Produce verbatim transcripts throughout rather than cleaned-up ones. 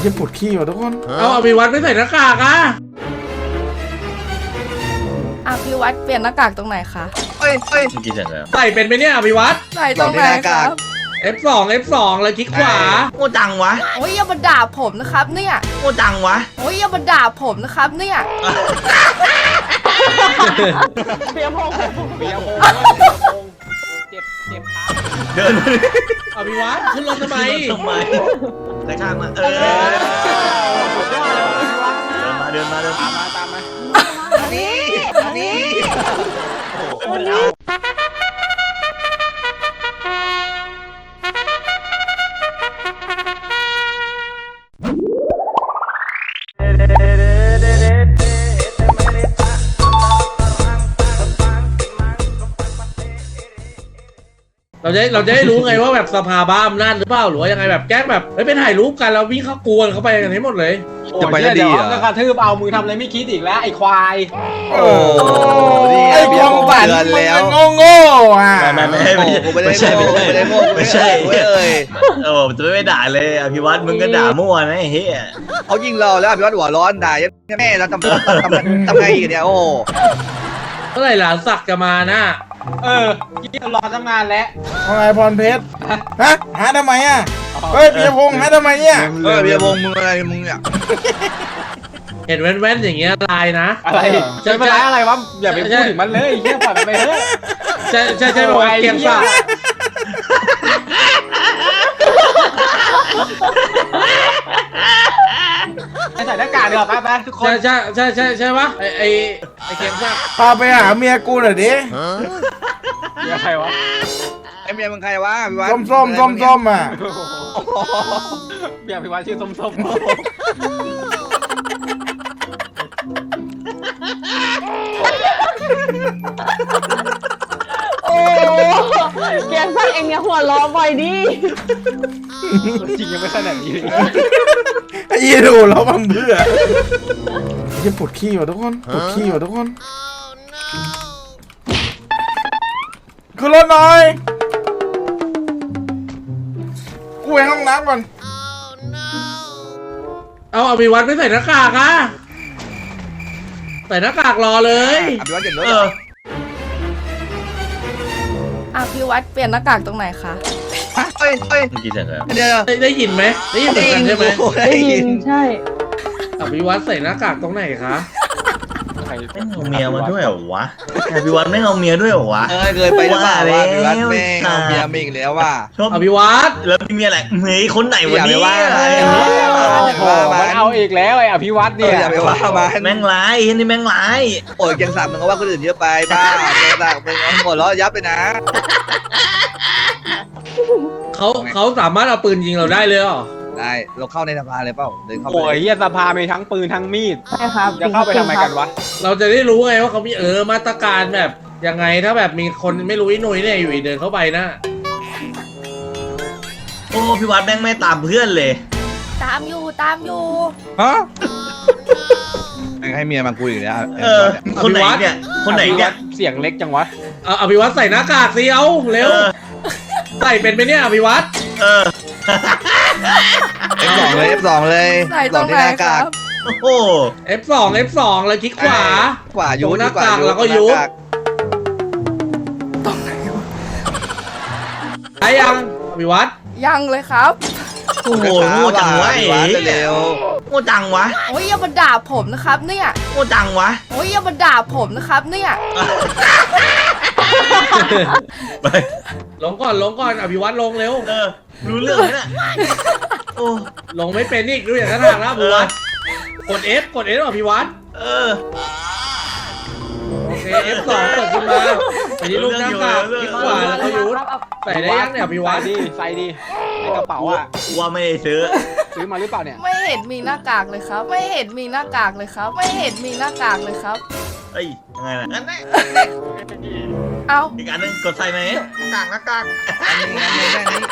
จะปวดขี้ว่ะทุกคนเอาอภิวัตไม่ใส่หน้ากากอ่ะอภิวัตเปลี่ยนหน้ากากตรงไหนคะเอ้ยเอ้ยกี่เสร็จแล้วใส่เป็นไหมเนี่ยอภิวัตใส่ตรงไหนครับเอฟ สอง เอฟ สอง แล้วคลิกขวาโง่จังวะโอ้ยอย่ามาด่าผมนะครับเนี่ยโง่จังวะโอ้ยอย่ามาด่าผมนะครับเนี่ยเปียพงเปียพงเจ็บเจ็บขาเดินอภิวัตขึ้นรถทำไมทำไมกระชากมาเออเดินมาเดินมาเดินตามมาตามมาอันนี้อันนี้เราจะเราจะได้รู้ไงว่าแบบสภาบ้าอำนาจหรือเปล่าหรือว่ายังไงแบบแกล้งแบบเฮ้ยไปถ่ายรูปกันแล้ววิ่งเข้ากวนเข้าไปกันให้หมดเลยจะไปได้ดีอ่ะก็กระทืบเอามือทำอะไรไม่คิดอีกแล้วไอ้ควายโอ้ไอ้ความฝันมันโง่โง่อ่ะไม่ไม่ไม่ไม่ใช่ไม่ใช่ไม่ใช่เลยโอ้จะไม่ด่าเลยอภิวัตมึงก็ด่ามั่วนะเฮ้ยเขายิงเราแล้วพี่วัดหัวร้อนด่าแม่เราทำทำทำไงอีกเนี่ยโอ้เมื่อไหร่หลานสักจะมานะเออยี่รอทำงานแล้วทำไมพรเพชรฮะหาทำไมอ่ะเฮ้ยปียพงษ์หาทำไมเนี่ยเออปียพงษ์มึงอะไรมึงเนี่ยเห็นแว่นๆอย่างเงี้ยลายนะอะไรจะเป็นไรอะไรวะอย่าไปพูดถึงมันเลยเฮียปล่อยมันไปเถอะใช่ใช่ใช่บอกเกียงสักใส่หน้ากากเดี๋ยวไปไปทุกคนใช่ใช่ใช่ใช่ปะไอไอไอเกียงสักพาไปหาเมียกูหน่อยดิเมียใครวะไอเมียมึงใครวะพี่วัดส้มส้มส้มส้มอ่ะเมียพี่วัดชื่อส้มส้มโอ้แกงสักเองเนี่ยหัวล้อบ่อยดิจริงยังไม่ขนาดนี้เลยไอ้ยี่ดูแล้วมันเบื่อจะปวดขี้ว่ะทุกคนปวดขี้ว่ะทุกคนขึ้นรถหน่อยกูไปห้องน้ำก่อนเอาอภิวัตไม่ใส่หน้ากากอ่ะใส่หน้ากากรอเลยอภิวัตเห็นรถอภิวัตเปลี่ยนหน้ากากตรงไหนคะเอ้ยเอ้ยกี่เสร็จแล้วเดี๋ยวได้ยินไหมได้ยินเหมือนกันใช่ไหมได้ยินใช่อภิวัตใส่หน้ากากตรงไหนคะไม่เอาเมียมาด้วยเหรอวะอภิวัตไม่เอาเมียด้วยเหรอวะเออเคยไปแล้วว่าอภิวัตแม่เอาเมียมาอีกแล้วว่าอภิวัตแล้วมีเมียอะไรเฮ้ยคนไหนวันนี้มันเอาอีกแล้วไอ้อภิวัตเนี่ยอย่าไปว่ามันแม่งร้ายเห็นนี่แม่งร้ายโอ้ยแกงสามมึงก็ว่าคนอื่นเยอะไปบ้าแกงสามมึงหัวเราะยับไปนะเขาเขาสามารถเอาปืนยิงเราได้เลยเหรอได้เราเข้าในสภาเลยเปล่าเดินเข้าไปโอ้ยเฮียสภามีทั้งปืนทั้งมีดใช่ครับจะเข้าไปทำไมกันวะเราจะได้รู้ไงว่าเขามีเออมาตรการแบบยังไงถ้าแบบมีคนไม่รู้อีหนุ่ยเนี่ยอยู่เดินเข้าไปนะโอ้พี่วัดแม่งไม่ตามเพื่อนเลยตามอยู่ตามอยู่ฮะให้เมียมาคุยอยู่แล้วเออคนไหนเนี่ยคนไหนเนี่ยเสียงเล็กจังวะเอาอภิวัตใส่หน้ากากสิเอาเร็วใส่เป็นไหมเนี่ยอภิวัตเออเอฟ สอง เลย เอฟ สอง เลยใส่ตรงไหนครับโอ้โหเอฟ สอง เอฟ สอง แล้วคลิกขวาขวายุบหน้ากากแล้วก็ยุบตรงไหนวะไอ้ยังอภิวัตยังเลยครับโอ้โหโง่จังวะเร็วโง่จังวะโอ้ยอย่ามาด่าผมนะครับเนี่ยโง่จังวะโอ้ยอย่ามาด่าผมนะครับเนี่ยลงก่อนลงก่อนอภิวัตลงเร็วเออรู้เรื่องไหมเนี่ยโอ้ลงไม่เป็นนี่ดูอย่างนั้นทางแล้วอภิวัตกด F กด F อภิวัตเออโอเค เอฟ สอง กดขึ้นมาไปที่ลูกหน้ากากคลิกขวาแล้วก็ยุดใส่ได้ยังเนี่ยอภิวัตดิใส่ดิในกระเป๋าอ่ะว่าไม่ได้ซื้อซื้อมาหรือเปล่าเนี่ยไม่เห็นมีหน้ากากเลยครับไม่เห็นมีหน้ากากเลยครับไม่เห็นมีหน้ากากเลยครับเอ้ยยังไงล่ะงั้นแน่เอาอีกอันนึงกดใส่ไหมหน้ากากหน้ากากอันนี้อันนี้อันนี้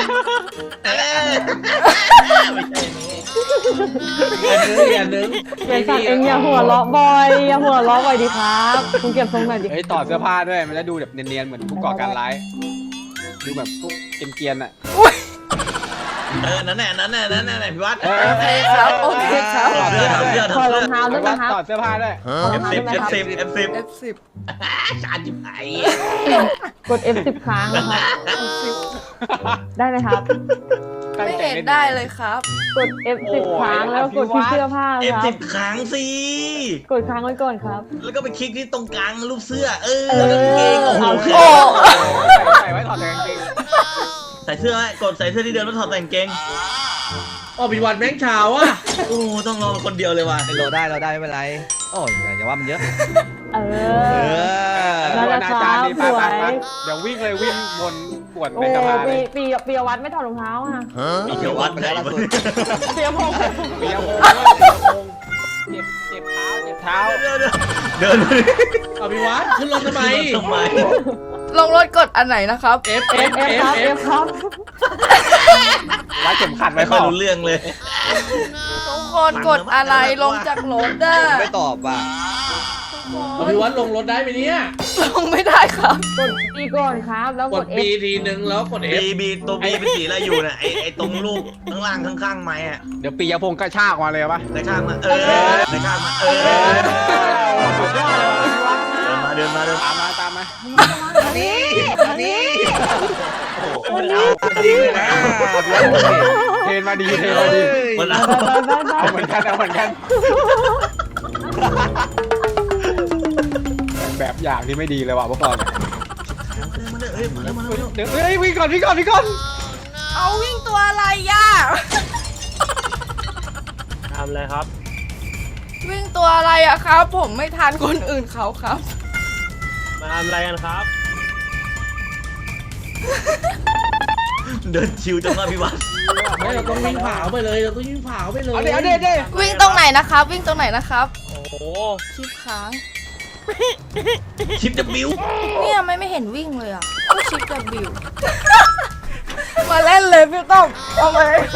ไม่ใช่อันนึงอันนึงแกงสักเองอย่าหัวล้อบ่อยอย่าหัวล้อบ่อยดิครับคุณเก็บทรงหน่อยดิเฮ้ยต่อเสื้อผ้าด้วยมันจะดูแบบเนียนๆเหมือนผู้ก่อการร้ายดูแบบพวกเกรียนๆอ่ะเออนั่นแหละนั่นแหละนั่นแหละพี่วัดโอเคครับโอเคครับถอดเสื้อถอดเสื้อถถออดดรเสื้อองเท้าด้วยนะครับถอดเสื้อผ้าด้วยเอฟสิบเอฟสิบเอฟสิบเอฟสิบชาจิบไอ้กด เอฟ สิบ ครั้งนะครับได้ไหมครับไม่เห็นได้เลยครับกด เอฟ สิบ ครั้งแล้วกดที่เสื้อผ้าเอฟครัสิบบครั้งสิกดค้างไว้ก่อนครับแล้วก็ไปคลิกที่ตรงกลางรูปเสื้อ เออเออแล้วก็เกงโอ้โหโอ้ใส่ไว้ถอดแต่กางเกงใส่เสื้อไว้กดใส่เสื้อที่เดิมแล้วถอดแต่กางเกงอ๋อพี่วันแม่งเช้าอ่ะโอ้ต้องรอคนเดียวเลยว่ะเราได้เราได้ไม่เป็นไรโอ้ยอย่าว่ามันเยอะเอเอออนั่นแหละอาจารย์ดีครับไปสวยเดี๋ยววิ่งเลยวิ่งวนปวดโอ้ในสภาเลปียปีปียวัดไม่ถอดรองเท้าอ่ะมีเขียววัดไปแล้วล่าสุดเปียพงปียพงเจ็บเจ็บเท้าเจ็บเท้าเดินเดินเอาพี่วัดขึ้นรถทำไมทำไมลงรถกดอันไหนนะครับ F เอ F ฟเอฟ F ครับเอ F ฟครับรัดเข็มขัดไม่ไว้ค่อยเปล่ารู้เรื่องเลยทุกคนกดอะไรลงจากรถอ่ะไม่ตอบว่ะเอาพี่วัดลงรถได้ไหมเนี่ยลงไม่ได้ครับกดปีก่อนครับ แล้วกกดด B F ทีนึงแล้วกด F บีบีตัวบีเป็นสีอะไรอยู่น่ะไอไอตรงรูปข้างล่างข้างๆไม้อะเดี๋ยวปียพงกระชากมาเลยปะในข้างมาเออในข้างมาเออสุดยอดเลยพี่วัดเดินมาเดินมาเดินตามมาตามมานี่นี่มันเอาดีเลยนะเทรนมาดีเทรนมาดีมันเอาไปไปไปไปเอาเหมือนกันเอาเหมือนกันแบบอย่างที่ไม่ดีเลยว่ะพวกเรามันเฮ้ยมาแล้วมาแล้วเดี๋ยวเฮ้ยวิ่งก่อนวิ่งก่อนวิ่งก่อนเอาวิ่งตัวอะไรย่าทำอะไรครับวิ่งตัวอะไรอะครับ ผมไม่ทันคนอื่นเขาครับมาทำอะไรกันครับเดินชิวจังว่าพี่วัดไม่เราต้องวิ่งผาไปเลยเราต้องวิ่งผาไปเลยเอาเดี๋ยวเอาเดี๋ยวเดี๋ยววิ่งตรงไหนนะครับ วิ่งตรงไหนนะครับโอ้โหชิปค้างชิปจะบิ้วเนี่ยไม่ไม่เห็นวิ่งเลยอ่ะก็ชิปกับบิว มาเล่นเลยพี่ต้องเอาไป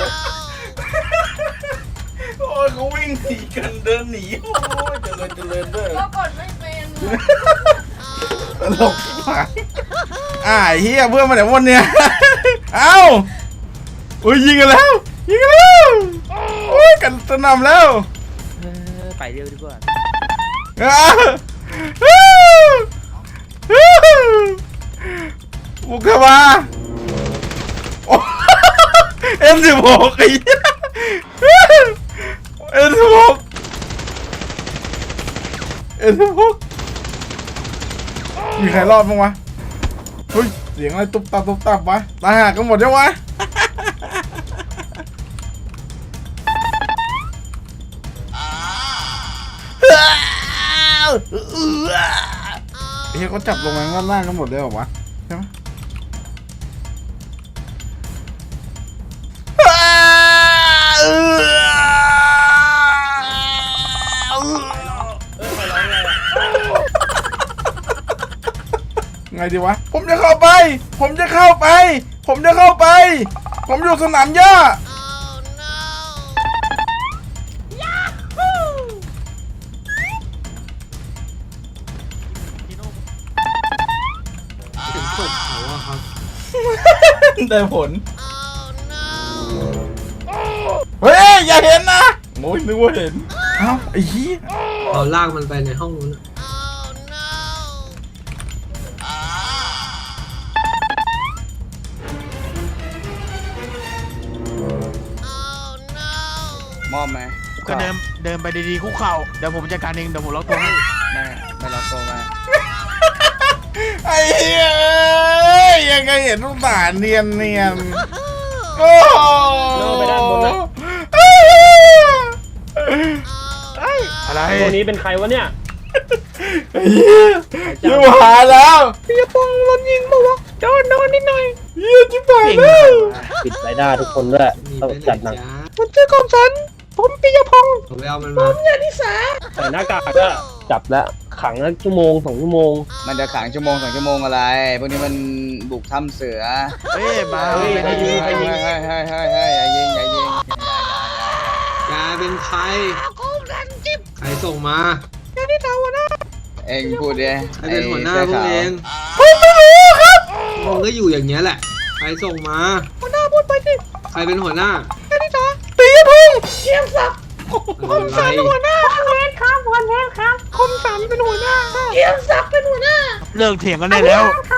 โอ้ยเขาวิ่งหนีกันเดินหนีโอ้ยเจริญเจริญเด้อก็กดไม่เป็นตลกชิบหายอ่าไอ้เฮียเพื่อนมาแต่วันเนี้ยเอ้าอุ้ยยิงกันแล้วยิงกันแล้วโอ้ยกันสนำแล้วไปเร็วดีกว่าอ้าวอ้าวอ้าวบุกเข้ามาโอ้เอ็มสิบหกไอ้เหี้ยเอ็มสิบหกเอ็มสิบหกมีใครรอดบ้างวะเฮ้ยเสียงอะไรตุ๊บตับตุ๊บตับวะตายห่ากันหมดยังวะเฮ้ยเขาจับลงมาข้างล่างกันหมดเลยเหรอวะใช่ไหมไงดีวะผมจะเข้าไป ผมจะเข้าไป ผมจะเข้าไป ผมอยู่สนามหญ้าได้ผล เฮ้ย อย่าเห็นนะโอ้ยนึกว่าเห็น เอ้าไอ้เหี้ยเอาลากมันไปในห้องนู้นมอบไหมก็เดินเดินไปดีๆคุกเข่าเดี๋ยวผมจัดการเองเดี๋ยวผมล็อกตัวให้ไม่ไม่รับตัวมาไอ้เหี้ยยังไงเห็นลูกตาเนียนเนียนโอ้ล่อไปด้านบนนะอะไรตัวนี้เป็นใครวะเนี่ยไอ้เหี้ยอยู่หาแล้วพี่ปองรถยิงมาวะโดนโดนนิดหน่อยเหี้ยจิ๊บหายแล้วปิดไรด้าทุกคนด้วยต้องจัดหนักมันชื่อของฉันผมปิยพงศ์ผมไปเอามันมาใส่หน้ากากก็จับแล้วขังแล้วชั่วโมงสองชั่วโมงมันจะขังชั่วโมงสองชั่วโมงอะไรพวกนี้มันบุกถ้ำเสือเฮ้ยมาเฮ้ยเฮ้ยเฮ้ยเฮ้ยเฮ้ยเฮ้ยเฮ้ยเฮ้ยอย่ายิงอย่ายิงกาเป็นใครใครส่งมาเอ็งพูดดิใครเป็นหัวหน้าพวกเองผมไม่รู้ครับมึงก็อยู่อย่างเงี้ยแหละ ใครส่งมาหัวหน้าพูดไปสิใครเป็นหัวหน้าปียพงษ์คมสันเป็นหัวหน้าเลิกเถียงกันได้แล้ว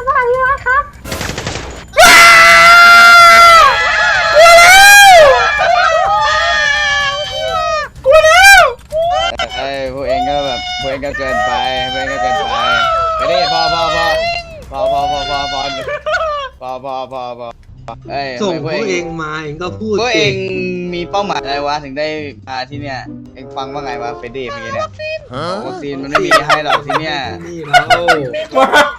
กลัวแล้วเอ้ยพวกเองก็แบบพวกเองก็เกินไปพวกเองก็เกินไปไปดิพอพอพอพอพอพอพอพอพอพอพอพอเอ้ยส่งทำพไมวกเองมาเองก็พูดพวกสิเองมีเป้าหมายอะไรวะถึงได้มาที่เนี่ยเองฟังว่าไงวะเฟรดดี้เมื่อกี้เนี่ยวัคซีนมันไม่มีให้หรอกที่เนี่ยนี่แล้วมา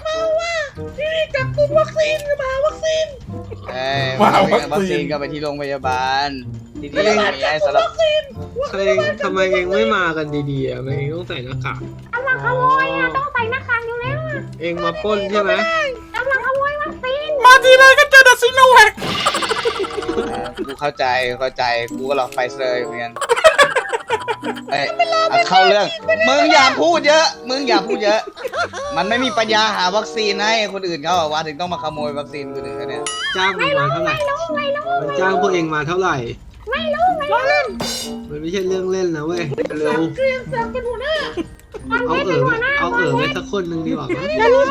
เอ้ยว่าวัควัคซีนซีนก็ไปที่โรงพยาบาลที่นี่มีให้สำหรับใครทำไมเองไม่มากันดีๆอ่ะทำไมเองต้องใส่หน้ากากกำลังขโมยอ่ะต้องใส่หน้ากากอยู่แล้วเองมาปล้นใช่ไหมมาทีไรก็เจอแต่ซีโนแวคเออกูเข้าใจเข้าใจกูก็รอไฟเซอร์เหมือนกันเอ้ยเอาเข้าเรื่องมึงอย่าพูดเยอะ มึงอย่าพูดเยอะ มันไม่มีปัญญาหาวัคซีนให้คนอื่นเขาอะว่าถึงต้องมาขโมยวัคซีนคนอื่นเขาเนี่ยจ้างมันมาเท่าไหร่มันจ้างพวกเองมาเท่าไหร่ ไม่รู้ไม่รู้มันไม่ใช่เรื่องเล่นนะเว้ยเร็วเอาเอ๋อไปเอาเอ๋อไปสักคนหนึ่งดีกว่ามั้ง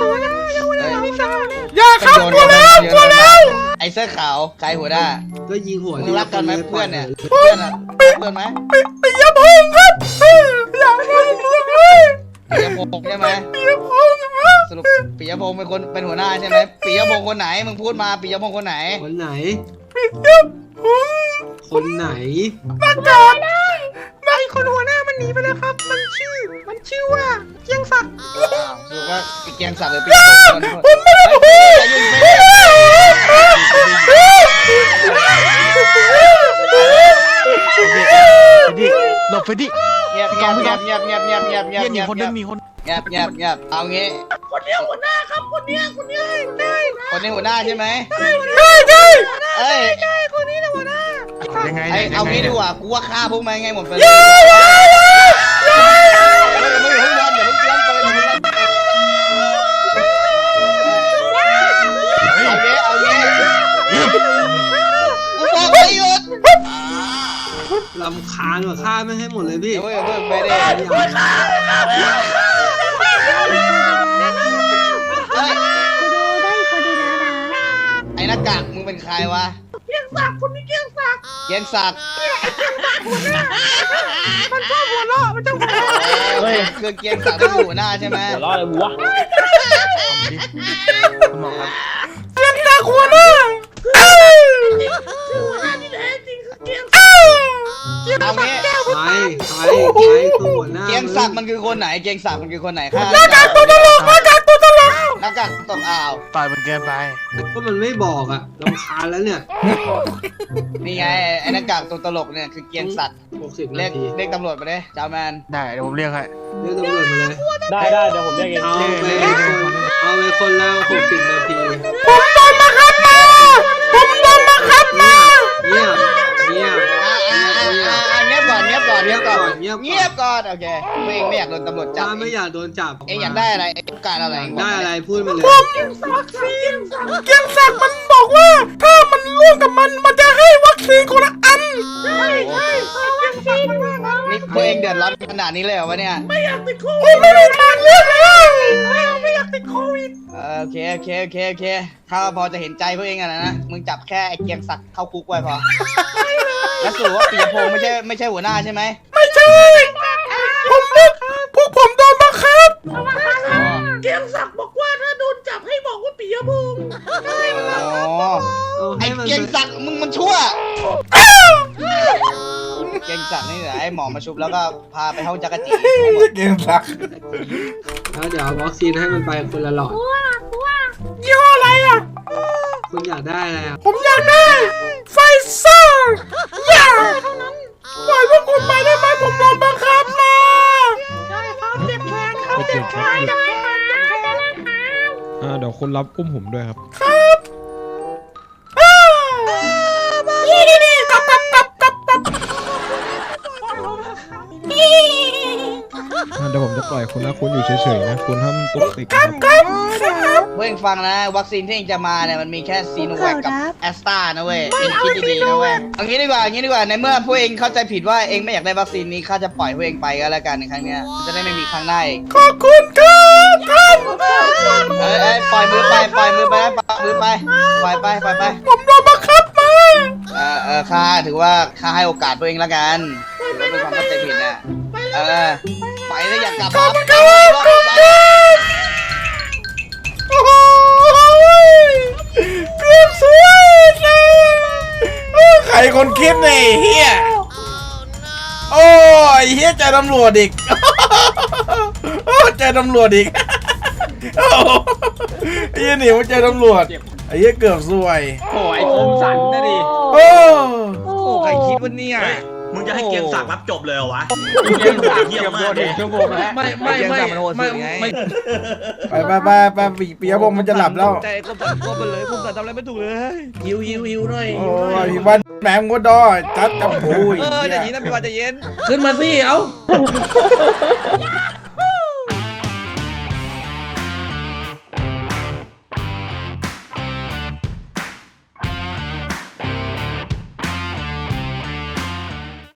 อย่าครับกลัวแล้วกลัวแล้วไอ้เสื้อขาวใครหัวหน้าก็ยิงหัวมึงรักกันไหมทีละคเพื่อนเนี่ยลเพื่อนอะเพื่อนไหมปีปียพงษ์ครับเอออย่ามาเรื่องเลยปิยพงษ์ใช่ไหมปียพงษ์ครับสรุปปิยพงษ์เป็นคนเป็นหัวหน้าใช่ไหมปิยพงษ์คนไหนมึงพูดมาปิยพงษ์คนไหนคนไหนปียพงษ์คนไหนประกาศไม่คนหัวหน้ามันหนีไปแล้วครับ มันชื่อ มันชื่อว่าเกียงศักดิ์สรุปว่าเกียงศักดิ์หรือปิยพงษ์คนผมไม่ได้พูดดิหลบไปดิเงียบเงียบเงียบเงียบเงียบเงียบเงียบเงียบเฮียหนีคนนึงมีคนเงียบเงียบเงียบเอางี้คนนี้หัวหน้าครับคนนี้คนนี้ได้คนนี้หัวหน้าใช่ไหมได้ได้เอ้ยยังไงไอ้นี่ยเอายังไงงี้ดีนี่ยกว่ากูว่าฆ่าพวกมันไงหมดไปเลยไม่อย่าเพิ่งยันอย่าเพิ่งยันเปิดอย่าเพิ่งยันเอางี้เอางี้กูบอกให้หยุดลำคาญว่ะฆ่าไม่ให้หมดเลยพี่เดี๋ยวเพิ่งไปดิเฮ้ยไอ้หน้ากากมึงเป็นใครวะเกียงศักดิ์คนนี้เกียงศักดิ์เกียงศักดิ์มันชอบหัวเราะมันชอบหัวเราะเฮ้ยคือเกียงศักดิ์เป็นหัวหน้าใช่ไหมหัวเราะอะไรวะคุณหมอครับเกียงศักดิ์หัวหน้าเอ้ยเอางี้ใครใครใครตัวหัวหน้าเกียงศักดิ์มันคือคนไหนเกียงศักดิ์มันคือคนไหนข้าหน้ากากตัวตลกหน้ากากตัวตลกหน้ากากตกอ่าวต่อยมันเกินไปก็มันไม่บอกอ่ะลำคาญแล้วเนี่ยนี่ไงไอ้หน้ากากตัวตลกเนี่ยคือเกียงศักดิ์หกสิบเรีนายกทีเรียกตำรวจมาดิจาแมนได้เดี๋ยวผมเรียกให้เรียกตำรวจมาเลยได้ได้เดี๋ยวผมเรียกเองเอาไปคนเอาไปคนละหกสิบนาทีผมโดนบังคับมาผมโดนบังคับมาเงียบเงียบอ่าอ่าเงียบอ่าอ่าเงียบก่อนเงียบก่อนเงียบก่อนเงียบก่อนเงียบก่อนโอเคตัวเองไม่อยากโดนตำรวจจับถ้าไม่อยากโดนจับเองอยากได้อะไรเองต้องการอะไรอยากได้อะไรพูดมาเลยเกียงศักดิ์มันบอกว่า ถ้ามันร่วมกับมันมันจะให้วัคซีนคนละอันนี่ตัวเองเดือดร้อนขนาดนี้เลยเหรอวะเนี่ยผมไม่ได้ทางเลือกเลยไม่อยากติดโควิดเออโอเคโอเคโอเคโอเคข้าพอจะเห็นใจพวกเองอะนะนะมึงจับแค่ไอ้เกียงศักดิ์เข้าคุกไว้พอแล้วสรุปว่าปียพงษ์ไม่ใช่ไม่ใช่หัวหน้าใช่ไหมไม่ใช่ผมพวกพวกผมโดนบังคับเกียงศักดิ์บอกว่าถ้าโดนจับให้บอกว่าปียพงษ์อ๋อเอาไอ้ให้มันเกียงศักดิ์มึงมันชั่ว เกียงศักดิ์นี่เหรอไอ้หมอมาชุบแล้วก็พาไปห้องจักรจีให้หมดเกียงศักดิ์แล้วเดี๋ยวเอาวัคซีนให้มันไปคนละหลอดยี่ห้ออะไรอ่ะคุณอยากได้อะไรอ่ะผมอยากได้ไฟเซอร์อย่าปล่อยพวกผมไปได้ไหมผมโดนบังคับมาได้ครับเจ็บแขนครับเจ็บแขนได้ครับเดี๋ยวคุณรับอุ้มผมด้วยครับครับอ้าวนี่นี่นี่กลับกลับกลับกลับกลับเดี๋ยวผมจะปล่อยคุณนะคุณอยู่เฉยๆนะคุณห้ามตุกติกนะเว้ยฟังนะวัคซีนที่เองจะมาเนี่ยมันมีแค่ซีโนแวคกับแอสตรานะเว้ยเองคิดดีๆนะเว้ยเอางี้ดีกว่าเอางี้ดีกว่าในเมื่อพวกเองเข้าใจผิดว่าเองไม่อยากได้วัคซีนนี้ข้าจะปล่อยพวกเองไปก็แล้วกันในครั้งเนี้ยจะได้ไม่มีครั้งหน้าอีกขอบคุณครับท่านเอ้ยเอ้ยปล่อยมือไปปล่อยมือไปนะปล่อยมือไปปล่อยไปปล่อยไปผมโดนบังคับมาเออเออข้าถือว่าข้าให้โอกาสตัวเองแล้วกันถือว่าเป็นความเข้าใจผิดนะเออไปแล้วอยากกลับมาไปไปโอ้โหเกือบสวยเลยใครคนคิดเนี่ยเฮียโอ้ยเฮียเจอตำรวจอีกโอ้เจอตำรวจอีกโอ้ไอ้เฮียหนีมาเจอตำรวจไอ้เฮียเกือบสวยโอ้ยคมสันนะดิโอ้โอ้ใครคิดว่าเนี่ยเฮ้ยมึงจะให้เกียงศักดิ์รับจบเลยเหรอวะเกียงศักดิ์เยี่ยมมากเกือบโดนหนึ่งชั่วโมงแล้วไม่ไม่ไม่ไม่ไม่ไปไปไปไปปีปียพงษ์มันจะหลับแล้วใจคมสันคมไปเลยคมสันทำอะไรไม่ถูกเลยหิวหิวหิวหน่อยโอ้ยพี่วันแหมงดดอจัดกับปุ้ยเออเดี๋ยวนี้นะพี่วันจะเย็นขึ้นมาสิเอ้า